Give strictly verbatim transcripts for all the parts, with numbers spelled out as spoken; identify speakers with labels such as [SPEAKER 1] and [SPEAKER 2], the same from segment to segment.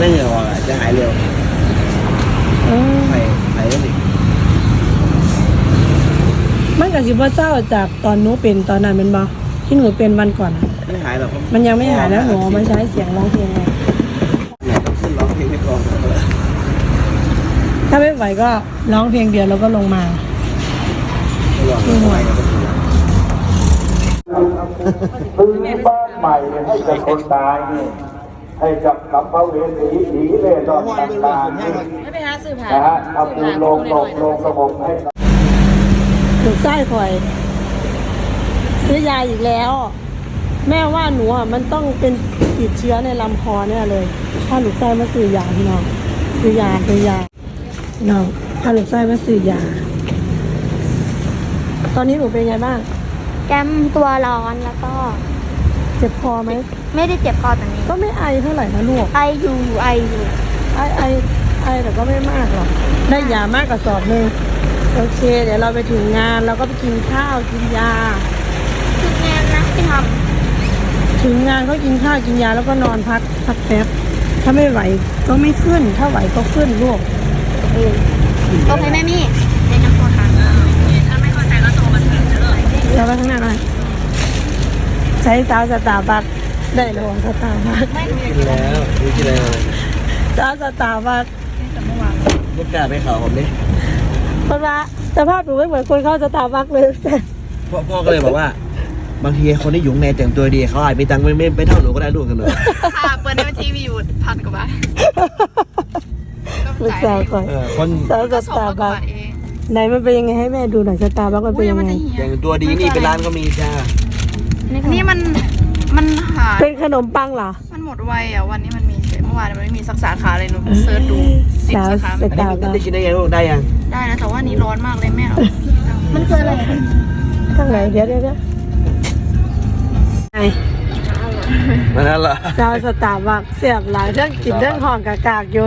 [SPEAKER 1] ไม่เหงื่อออกจะหายเร็วไปไปแล้วดิ
[SPEAKER 2] มันกับสิบว่าเจ้าจากตอนหนูเป็นตอนนั้นเป็นบ่ที่หนูเป็นวันก่อน
[SPEAKER 1] ไม่หายหรอก
[SPEAKER 2] มันยังไม่หายแล้วหนูมาใช้เสียงร้องเพลงไง
[SPEAKER 1] เนี่ยต้องขึ้นร้องเพลงให้กอง
[SPEAKER 2] ถ้าไม่ไหวก็ร้องเพลงเดียวแล้วก็ลงมา
[SPEAKER 1] คือหน่วย
[SPEAKER 3] ซื้อบ้านใหม่ให้กับคนตายนี่ให้กับสัมภเวสีผีเล่ร่อนต่างๆนี่นะฮะทำบุญลงลงลงสมบให้
[SPEAKER 2] หนูใต้คอยซื้อยาอีกแล้วแม่ว่าหนูอ่ะมันต้องเป็นติดเชื้อในลำคอเนี่ยเลยถ้าหนูใต้มาซื้อยาพี่น้องซื้อยาซื้อยาน้องถ้าหนูใต้มาซื้อยาตอนนี้หนูเป็นไงบ้าง
[SPEAKER 4] แก้มตัวร้อนแล้วก็
[SPEAKER 2] เจ็บคอไหม
[SPEAKER 4] ไม่ได้เจ็บคอแต่นี้
[SPEAKER 2] ก็ไม่ไอเท่าไหร่นะลูก
[SPEAKER 4] ไออยู่ไออยู่
[SPEAKER 2] ไอไอไอแต่ก็ไม่มากหรอกได้ยามากกว่าสอบนึงโอเคเดี๋ยวเราไปถึงงานเราก็ไปกินข้าวกินยา
[SPEAKER 4] ถึงงานนะพี่ท
[SPEAKER 2] ำถึงงานก็กินข้าวกินยาแล้วก็นอนพักพักแป๊บถ้าไม่ไหวก็ไม่ขึ้นถ้าไหวก็ขึ้นลูก
[SPEAKER 4] เออโอเคแม่มี่เป็นน้ำโคตรค่ะถ้าไม่เข้าใจก็โทรมาเถอะเลย
[SPEAKER 2] เดี๋ยวไปข้างหน้าหน่อยใช้สาวสตาร์บัคได้หรอสตาร์บัค
[SPEAKER 1] กินแล้วดูกินแล้ว
[SPEAKER 2] สาวสตาร์บัค
[SPEAKER 1] ลูกกาไปเขาผมดิ
[SPEAKER 2] เพราะว่าสภาพหนูไม่เหมือนคนเข้าสตาร์บัคเลย
[SPEAKER 1] พ่อพ่อก็เลยบอกว่าบางทีคนที่ยุ่งในแต่งตัวดีเขาอาจไปตังไม่ไม่ไม่เท่าหนูก็ได้ลูกกันเลย
[SPEAKER 5] ค่ะเปิดในบัญชีมีอยู่พันกว่าบาท
[SPEAKER 2] ลูกสาวก่อน
[SPEAKER 1] คน
[SPEAKER 2] สาวสตาร์บัคไหนมันเป็นยังไงให้แม่ดูหน่อยสตาร์บัคมันเป็นยังไง
[SPEAKER 1] แต่งตัวดีนี่เป็นร้านก็มีจ้า
[SPEAKER 5] นี่มันมันหา
[SPEAKER 2] เป็นขนมปังเหรอ
[SPEAKER 5] มันหมดไวอ่ะวันนี้มันมีเมื่อวานมันไม่มีสักสาขาเลยหนูเซิร์ชดูสิบสาขา
[SPEAKER 2] สตาร์บัค
[SPEAKER 1] ได้กินได้ยังลูกได้ยัง
[SPEAKER 5] ได้นะแต่ว่านี้ร้อนมากเลยแม่
[SPEAKER 4] มันคืออะไร
[SPEAKER 2] ข้างไหนเดี๋ยวเดี๋ยวเดี๋ยวไง
[SPEAKER 1] มันนั่นเหรอ
[SPEAKER 2] สาวสตาร์บัคเสียบหลายเรื่องกินเรื่องห่องกากากอยู่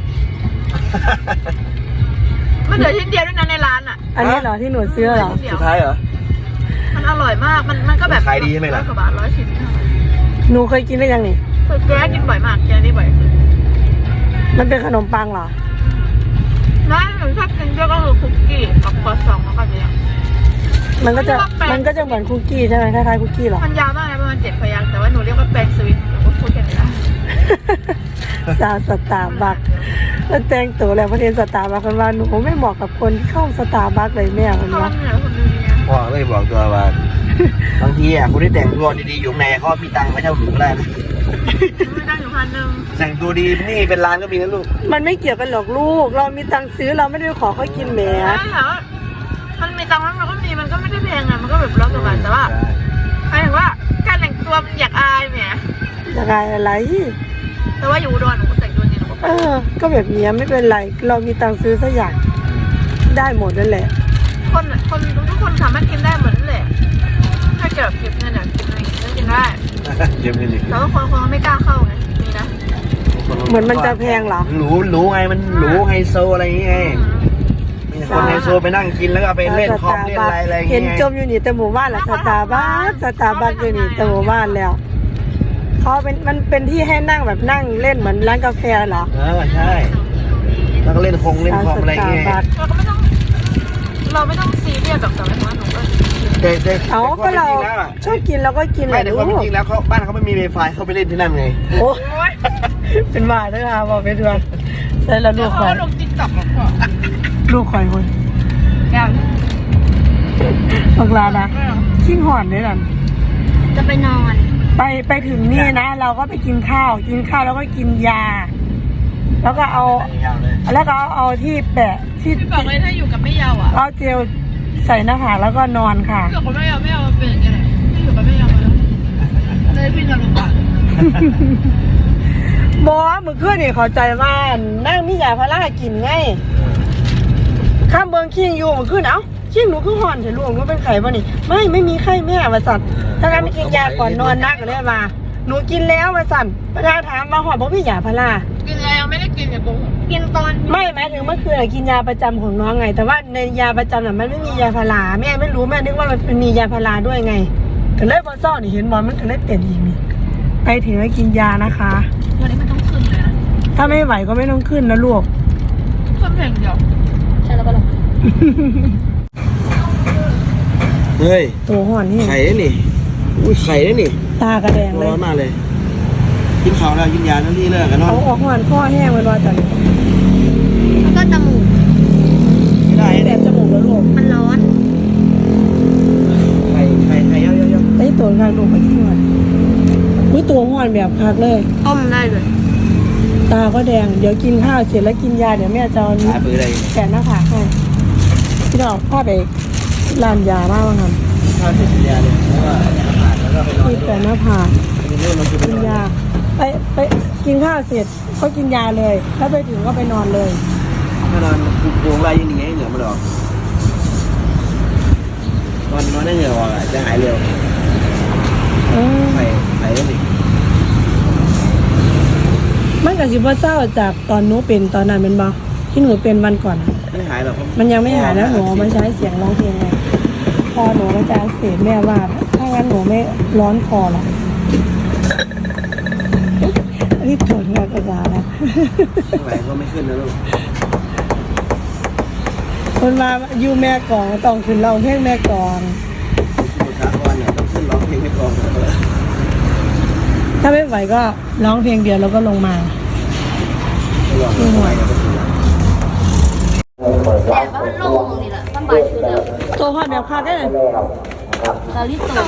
[SPEAKER 5] มันเหลือชิ้นเดียวด้วยนะในร้านอ่ะ
[SPEAKER 2] อันนี้เหรอที่หนูซื้อเหรอ
[SPEAKER 1] สุดท้ายเหรอ
[SPEAKER 5] มันอร่อยมากมันมันก็แบบ
[SPEAKER 1] ขายดีใช่ไหมล่ะ
[SPEAKER 5] ร้อยกว่าบาทร้อยสี่สิบห้า
[SPEAKER 2] หนูเคยกินได้ยังนี่
[SPEAKER 5] เคยแกกินบ่อยมากแกนี่บ่อย
[SPEAKER 2] มันเป็นขนมปังเหรอ
[SPEAKER 5] แล้วหนูชอบกินด้วยก็คือคุกกี้กับครัวซองแล้วก็เนี่ย
[SPEAKER 2] มันก็จะมันก็จะเหมือนคุกกี้ใช่ไหมคล้ายๆคุกกี้หรอ
[SPEAKER 5] มันยาวมากเลยประมาณเจ็ดพยางค์แต่ว่าหนูเรียกว่าแปลงสวิตหนูก็พูดแค่นี้นะ
[SPEAKER 2] สาวสตาร์บัคมันแต่งตัวแล้วประเทศสตาร์บัคคนว่าหนูไม่เหมาะกับคนที่เข้าสตาร์บัคเลยแม่คนว่า
[SPEAKER 1] พ่อเลยบอกตัวว่าบางทีอ่ะคนที่แต่งตัวดีๆอยู่ในเขามีตังค์ไม่เท่าหนูก็ได้นะ
[SPEAKER 5] ไม่ได้อยู่พันหนึ่ง
[SPEAKER 1] แต่งตัวดีนี่เป็นร้านก็มีนะลูก
[SPEAKER 2] มันไม่เกี่ยวกันหรอกลูกเรามีตังค์ซื้อเราไม่ได้ขอเขากินแหม
[SPEAKER 5] มันมีตังค์มันก็มีมันก็ไม่ได้แพงอ่ะมันก็แบบร้อยกว่าบาทแต่ว่าหมายถึงว่าการแต่งตัวมันอยากอายแหม
[SPEAKER 2] อยากอายอะไร
[SPEAKER 5] แต่ว่าอยู่อุดรหนูก็แต่งตัวนี้หนูก็
[SPEAKER 2] เออก็แบบนี้ไม่เป็นไรเรามีตังค์ซื้อสักอย่างได้หมดนั่นแหละ
[SPEAKER 5] คนคนทุกคนสามารถกินได้เหมือนนั่นแหละถ้าเกิดเก็บเงินเนี่ยกินอะไรก็กินได้
[SPEAKER 1] เก็บเงินอีก
[SPEAKER 5] แต่ว่าคนคนไม่กล้าเข้าไงนี่นะ
[SPEAKER 2] เหมือนมันจะแพงหรอ
[SPEAKER 1] หรูหรูไงมันหรูไฮโซอะไรอย่างเงี้ยคนไฮโซไปนั่งกินแล้วก็ไปเล่นคอมเล่นอะไรอะไรอย่างเงี้ย
[SPEAKER 2] เห็นจมอยู่นี่แต่หมู่บ้านแหละสตาร์บัคสตาร์บัคอยู่นี่แต่หมู่บ้านแล้วเขาเป็นมันเป็นที่ให้นั่งแบบนั่งเล่นเหมือนร้านกาแฟเหรอ
[SPEAKER 1] เออใช่แล้วก็เล่นคงเล่นคอมอะไรอย่างเงี้ย
[SPEAKER 5] เราก็ไม่ต้องเราไม่ต้องซีเรียสแบบแต่ว่าหนูก็
[SPEAKER 1] เด็กเด็ก
[SPEAKER 2] เอาก็เราชอบกินเราก็กิน
[SPEAKER 1] ไม่แต่ความจริงแล้วเขาบ้านเขาไม่มีไวไฟเขาไปเล่นที่นั่นไง
[SPEAKER 2] โอ้เป็นบ้าด้วยค่ะบอกเป็นด้วยใช่แล้วลูกคอย
[SPEAKER 5] ลงติ๊กต็อกหรอ
[SPEAKER 2] ลูกคอยคน
[SPEAKER 5] แก้ว
[SPEAKER 2] บักลานะชิ่งหอนเลยนั่น
[SPEAKER 4] จะไปนอน
[SPEAKER 2] ไปไปถึงนี่นะเราก็ไปกินข้าวกินข้าวแล้วก็กินยาแล้วก็เอาแล้วก็เอาเอาที่แปะที่
[SPEAKER 5] บอกเลยถ้าอยู่กับไม่ยาวอ่ะ
[SPEAKER 2] เอาเจลใส่หน้าผากแล้วก็นอนค่ะ
[SPEAKER 5] อยู่กับไม่ยาวไม่ยาวเป็นอย่างไรไม่อยู่กับไม่ยาวแล้วเลยพี่นอนลงบ้าน
[SPEAKER 2] บอสมือขึ้นนี่เข้าใจว่านั่งมียาพารากินไงข้ามเบิงขี้อยู่มือขึ้นเอ้าขี้หนูคือห่อนเฉยลูกหนูเป็นไข่ป่ะนี่ไม่ไม่มีไข้แม่มาสั่นถ้างั้นไม่กินยาก่อนนอนนักเลยมาหนูกินแล้วมาสั่นประธานถามมาหอดบอกพี่ยาพารา
[SPEAKER 5] กินแล้วไม่ได้กินกับกู
[SPEAKER 4] กินตอน
[SPEAKER 2] ไม่หมายถึงเมื่อคืนกินยาประจำของน้องไงแต่ว่าในยาประจำน่ะมันไม่มียาพาราแม่ไม่รู้แม่นึกว่ามันมียาพาราด้วยไงก็เลยบอซ่อนี่เห็นบอลมันก็เลยเปลี่ยนอีกนี่ไปถึงแล้วกินยานะคะ
[SPEAKER 5] วันนี้มันต้องขึ้นเลยนะ
[SPEAKER 2] ทถ้าไม่ไหวก็ไม่ต้องขึ้นนะลูก
[SPEAKER 5] เครื่องเพลงเดียว
[SPEAKER 4] ใช่แล้วก็ลง
[SPEAKER 1] เฮ้ย
[SPEAKER 2] ตัวห่อนนี่
[SPEAKER 1] ไข่ได้นี่อุ้ยไข่ได้นี่
[SPEAKER 2] ตากระแดงเลย
[SPEAKER 1] ร้อนมากเลยกินข้าวแล้วกินยาทั้งที่เลิกกันนอน
[SPEAKER 2] เอาออกห่อนข้อแห้งไว้รอจัน
[SPEAKER 4] แล้วก็จมูก
[SPEAKER 1] ไม่ได้
[SPEAKER 2] แส
[SPEAKER 1] เนี่ย
[SPEAKER 2] บจมูกแล้วลูก
[SPEAKER 4] มันร้อน
[SPEAKER 1] ไข่ไข่ไข่เยอะเยอะเยอะ
[SPEAKER 2] ไอ้ตัวกลางลูกไปที่ห่อนอุ้ยตัวห่อนแบบพักเลย
[SPEAKER 5] ต้มได้เลย
[SPEAKER 2] ตาก็แดงเดี๋ยวกินข้าวเสร็จแล้วกินยาเดี๋ยวแม่จะเอา
[SPEAKER 1] หาปืนอะไร
[SPEAKER 2] แกะหน้าผากให้พี่ดอกพ่อไปร้านยามากว่างั้น
[SPEAKER 1] ข้าวเสร็จกินยาเลยเพราะว่าผ่านแล้วก็ไปนอน
[SPEAKER 2] พี่แกะหน้าผาก
[SPEAKER 1] เรื่องมันคือไป
[SPEAKER 2] กิ
[SPEAKER 1] น
[SPEAKER 2] น
[SPEAKER 1] อน
[SPEAKER 2] ยาไปไปกินข้าวเสร็จก็กินยาเลยแล้วไปถึงก็ไปนอนเลย
[SPEAKER 1] ถ้านอนปวงไรยังไงเหงื่อมันออกนอนนอนได้เหงื่อออกจะหายเร็ว
[SPEAKER 2] เออ
[SPEAKER 1] ไข่ไข่ได้ดิ
[SPEAKER 2] มันกับสิบ่เศร้าจากตอนหนูเป็นตอนนั้นเป็นบ่ที่หนูเป็นวันก่อน
[SPEAKER 1] ไม่หายหรอก
[SPEAKER 2] มันยังไม่หายแล้วหนูเอามาใช้เสียงร้องเพลงไงพอหนูมันจะอักเสบแม่ว่าถ้างั้นหนูไม่ร้อนคอหรอกรีบถอดงานกระดาษนะ
[SPEAKER 1] ไหลก็ไม่ขึ้นนะลูก
[SPEAKER 2] คนมาอยู่แม่กลองต้องขึ้นร้องเพลงแม่กลอง
[SPEAKER 1] สมุทรสาครเนี่ยต้องขึ้นร้องเพลงให้กองเลย
[SPEAKER 2] ถ้าไม่ไหวก็ร้องเพลงเดียวแล้วก็ลงมา
[SPEAKER 1] ไม่ร้องไม่ไหวก็ขึ้นแล้ว
[SPEAKER 4] แต่ว่ามันลงนี่แหละสบายสุดแล้ว
[SPEAKER 2] ตัวหอดแบบคาได้เลย
[SPEAKER 4] เรารีบตัว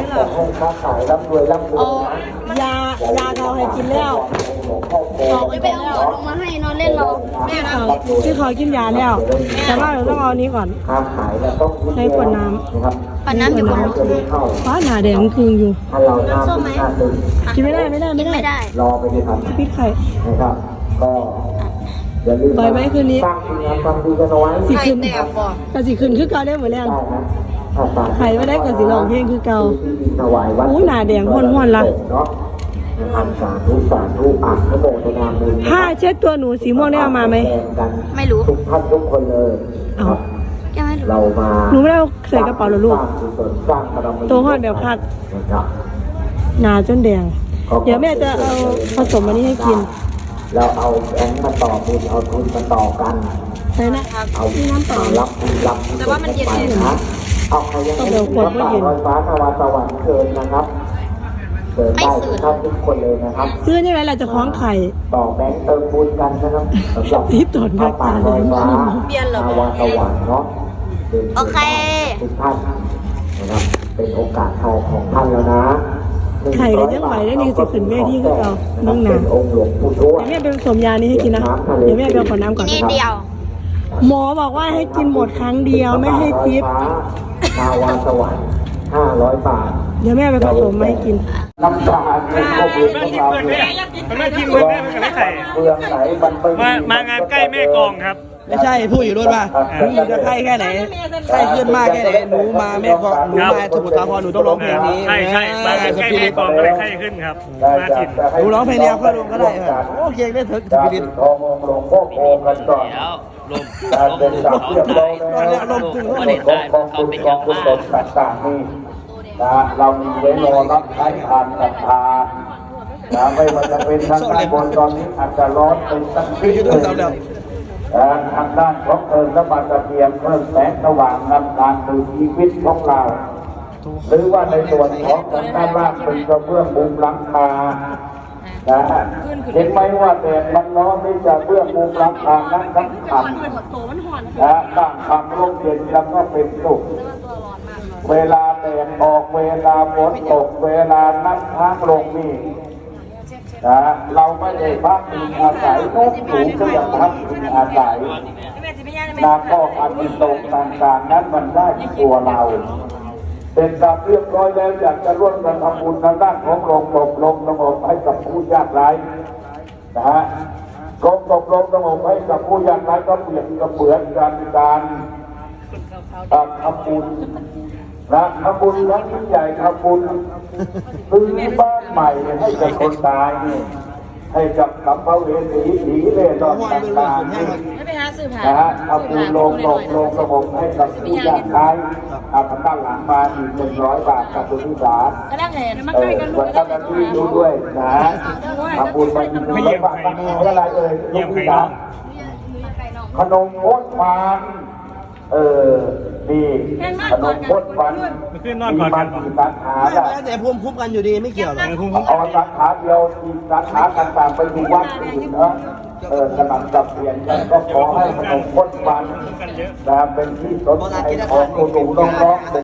[SPEAKER 2] เอายายาเขาให้กินแล้ว
[SPEAKER 4] บอกไม่ไปเอาหมอนลงมาให้นอนเล่นรอ
[SPEAKER 2] ที่เขาที่เขากินยาแล้ว แต่ว่าเราต้องเอานี้ก่อนให้กวดน้ำ
[SPEAKER 4] ปั่นน้ำอยู่บนรถ
[SPEAKER 2] ฟ้าหนาแดงคืนอยู่
[SPEAKER 4] น้ำส้มไหม
[SPEAKER 2] กินไม่ได้ไม่ได้
[SPEAKER 4] กิ
[SPEAKER 2] ไม่
[SPEAKER 4] น
[SPEAKER 2] ได้
[SPEAKER 4] ไม่ได้
[SPEAKER 3] รอไปดีครับ
[SPEAKER 2] พริกไข่
[SPEAKER 3] นะครับ ก็อย่าลืม
[SPEAKER 2] ปล่อยไว้คืนนี้
[SPEAKER 3] ตั้งทีมงานความดีกันเอาไว้
[SPEAKER 2] สิขึ้นก็สิขึ้นคือเก่าได้เหมือนแรง
[SPEAKER 3] ได้นะถ้าฝาก
[SPEAKER 2] ไข่ไม่ได้ก็สิร้องเพลงคือเก่า
[SPEAKER 3] ที่ดินถวายวัด
[SPEAKER 2] อู้หนาแดงห้วนๆล่ะ
[SPEAKER 3] เนาะนะครับสาธุสาธุอ่านพระโมทนาบุญ
[SPEAKER 2] ผ้าเช็ดตัวหนูสีม่วงได้เอามาไหม
[SPEAKER 3] แทนกัน
[SPEAKER 4] ไม่รู้
[SPEAKER 3] ทุกท่านทุกคนเลยครับ
[SPEAKER 4] แกไม่รู้
[SPEAKER 3] เรามา
[SPEAKER 2] หนูไม่ได้เอาใส่กระเป๋าหรอลูก
[SPEAKER 3] สร้างกุศลสร้างบารมี
[SPEAKER 2] ตัวหอดแบบพัด
[SPEAKER 3] นะครับ
[SPEAKER 2] หนาจนแดง เดี๋ยวแม่จะเอาผสมอันนี้ให้กิน
[SPEAKER 3] เราเอาแองมาต่อบุญเอาทุนมาต่อกัน
[SPEAKER 2] ใช่นะ
[SPEAKER 3] เอา
[SPEAKER 2] นี่น้ำเปล่า
[SPEAKER 3] รับบุญรับบุญ
[SPEAKER 4] แต่ว่ามันเย็น
[SPEAKER 3] ไปนะเอาใครยังไม่
[SPEAKER 2] ต้องเดี๋ยวขวด
[SPEAKER 3] พระ
[SPEAKER 2] ก็เย็น
[SPEAKER 3] ป่าลอยฟ้านาวาสวรรค์เกินนะครับเกิดได้ทุกท่านทุกคนเลยนะครับ
[SPEAKER 2] ซื้อยังไงเราจะคล้องไข่
[SPEAKER 3] ต่อแบงค์เติมบุญกันนะครับสำหรับ
[SPEAKER 2] ที่ตน
[SPEAKER 3] พระป่าลอยฟ้า
[SPEAKER 4] เปลี่ยนเหรอ
[SPEAKER 3] นาวาสวรรค์เนาะ
[SPEAKER 4] โอเค
[SPEAKER 3] ทุกท่านนะครับเป็นโอกาสทองของท่านแล้วนะ
[SPEAKER 2] ไข่ก็ยังไหวได้นี่สิขึ้นเวทีคือเก่านั่งหนา
[SPEAKER 3] เป็นองค์หลวงปู่ทวด
[SPEAKER 2] เดี๋ยวแม่ไปผสมยานี้ให้กินนะ เดี๋ยวแม่ไปเอาขวดน้ำก่อน
[SPEAKER 4] นิดเดียว
[SPEAKER 2] หมอบอกว่าให้กินหมดครั้งเดียวไม่ให้ทิป
[SPEAKER 3] นาวาสวรรค์ห้าร้อยบาท
[SPEAKER 2] เดี๋ยวแม่ไปผสมมาให้กิน
[SPEAKER 3] น้ำตาลเป็นข้อมูลของเราเนี่ย
[SPEAKER 6] มันไม่ทิ้งเพื่อนแม่มันไม่ไข่
[SPEAKER 3] เมืองไหนมันไป
[SPEAKER 6] มามางานใกล้แม่กองครับ
[SPEAKER 1] ไม่ใช่พูดอยู่รุ่นว่าหนูอยู่จะไข้แค่ไหนไข้ขึ้นมากแค่ไหนหนูมาแม่กองหนูมาสมุทรสาครหนูต้องร้องเพลงนี้
[SPEAKER 6] ใช่ใช่มางานใกล้แม่กองก็เลยไข้ขึ้นครับมาถิ่น
[SPEAKER 1] หนูร้องเพลงนี้ค่อยลงก็ได้โอเคได้เถอะสปิริต
[SPEAKER 3] ทององค์หลวงพ่อโพกันก่อนการเป็นสามเรียบร้อยแล้วกองทุนกองทุนกองทุนต่างๆนี่นะเรามีไว้รอรับใช้ทานศรัทธานะไม่ว่าจะเป็นทางด้านบนตอนนี้อาจจะร้อนเป็นสักนิดหนึ่งทางด้านของเพลิงและบาตะเกียงเพิ่มแสงสว่างนำทางสู่ชีวิตของเรา หรือว่าในส่วนของทางด้านล่างเป็นกระเบื้องมุมหลังคานะฮะเห็นไหมว่าแดดมันร้อนที่จะเบื้องมุมหลังคานั้นทั้งคำนะตั้งคำร่มเย็นแล้วก็เป็นสุขเวลาแดดออกเวลาฝนตกเวลาน้ำค้างลงนี่นะเราไม่ได้พักพิงอาศัยนกสูงก็ยังพักพิงอาศัยนาข้ออันเป็นตรงต่างๆนั้นมันได้ตัวเราเป็นการเรียบร้อยแล้วอยากจะร่วมกันทำบุญทางด้านของโรงศพโรงสงบให้กับผู้ยากไร้นะฮะโรงศพโรงสงบให้กับผู้ยากไร้ก็เปรียบกับเหมือนการการทำบุญนะทำบุญครั้งยิ่งใหญ่ทำบุญซื้อบ้านใหม่ให้กับคนตายนี่ให้กับสัมภเวสีผีเล่ร่อนต่างๆ
[SPEAKER 4] ไม่ไปหาสื่อผ่า
[SPEAKER 3] นะฮะทำบุญโลงศพโลงสมบให้กับผู้ยากไร้อาทางด้านหลังมาอีกหนึ่งร้อยบาทกับคุณพิสาร
[SPEAKER 4] ก็ได้เห็นมัน
[SPEAKER 3] เอ
[SPEAKER 4] ใกล้
[SPEAKER 3] อ
[SPEAKER 4] กัน
[SPEAKER 3] วันท่านที่ดูด้วยนะทำบุญมาอีกหนึ่งร้อยบาทกับอะไรเอ่ยลู
[SPEAKER 6] เยี่ย
[SPEAKER 3] ก
[SPEAKER 6] ม
[SPEAKER 3] พิ
[SPEAKER 6] ไข่น้
[SPEAKER 3] สา
[SPEAKER 6] อ
[SPEAKER 3] รง ขนมโคตรฟานเออนี่ขนมโคตรฟาน
[SPEAKER 6] มันขึ้นนอนก่อนกัน
[SPEAKER 3] มีสาขา
[SPEAKER 1] ไม่
[SPEAKER 3] อะ
[SPEAKER 1] แต่ภูมิคุ้มกันอยู่ดีไม่เกี่ยวหรอก
[SPEAKER 3] เอาสาขาเดียวอีกสาขาต่างๆไปดูวัดอื่นนะเออสนับสับเปลี่ยนกันก็ขอให้ขนมโคตรฟาน
[SPEAKER 6] กันเยอะ
[SPEAKER 3] นะเป็นที่สนใจของหนุ่มๆน้องๆ